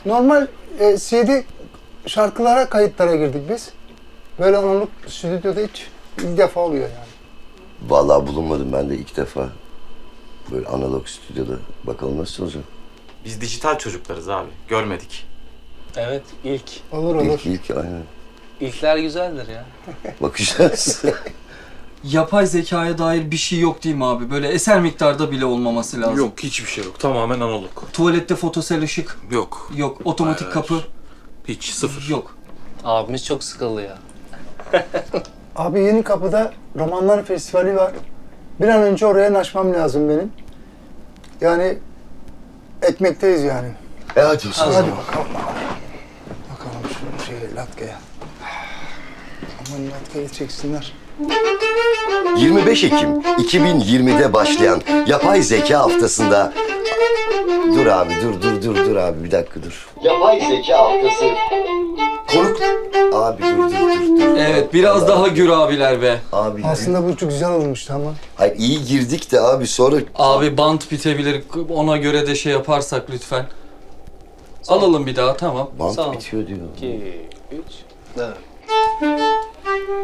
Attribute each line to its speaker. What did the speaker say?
Speaker 1: Normal CD şarkılara, kayıtlara girdik biz. Böyle analog stüdyoda hiç ilk defa oluyor yani.
Speaker 2: Vallahi bulunmadım ben de ilk defa. Böyle analog stüdyoda. Bakalım nasıl olacak?
Speaker 3: Biz dijital çocuklarız abi. Görmedik.
Speaker 4: Evet, ilk.
Speaker 1: Olur olur.
Speaker 2: İlk aynen.
Speaker 4: İlkler güzeldir ya.
Speaker 2: Bakacağız.
Speaker 5: Yapay zekaya dair bir şey yok değil mi abi? Böyle eser miktarda bile olmaması lazım.
Speaker 6: Yok, hiçbir şey yok. Tamamen analog.
Speaker 5: Tuvalette fotosel ışık
Speaker 6: Yok.
Speaker 5: yok. Otomatik
Speaker 6: Hayır,
Speaker 5: kapı
Speaker 6: hiç, sıfır.
Speaker 5: yok.
Speaker 4: Abimiz çok sıkıldı ya.
Speaker 1: Abi Yeni Kapı'da Romanlar Festivali var. Bir an önce oraya naşmam lazım benim. Yani ekmekteyiz yani.
Speaker 2: Hadi olsun.
Speaker 1: Hadi bakalım. Bakalım şu latkeye. Aman latkeyi çeksinler.
Speaker 2: 25 Ekim 2020'de başlayan yapay zeka haftasında... Dur abi, dur abi, bir dakika dur. Yapay zeka haftası. Konuk... Abi dur.
Speaker 5: Evet, biraz daha gür abiler be.
Speaker 2: Abi,
Speaker 1: Aslında bu çok güzel olmuştu ama.
Speaker 2: hayır iyi girdik de abi sonra...
Speaker 5: Abi bant bitebilir. Ona göre de şey yaparsak lütfen. Alalım bir daha, tamam.
Speaker 2: Bant
Speaker 4: Sağ ol.
Speaker 2: bitiyor diyor.
Speaker 4: 2, 3, 4.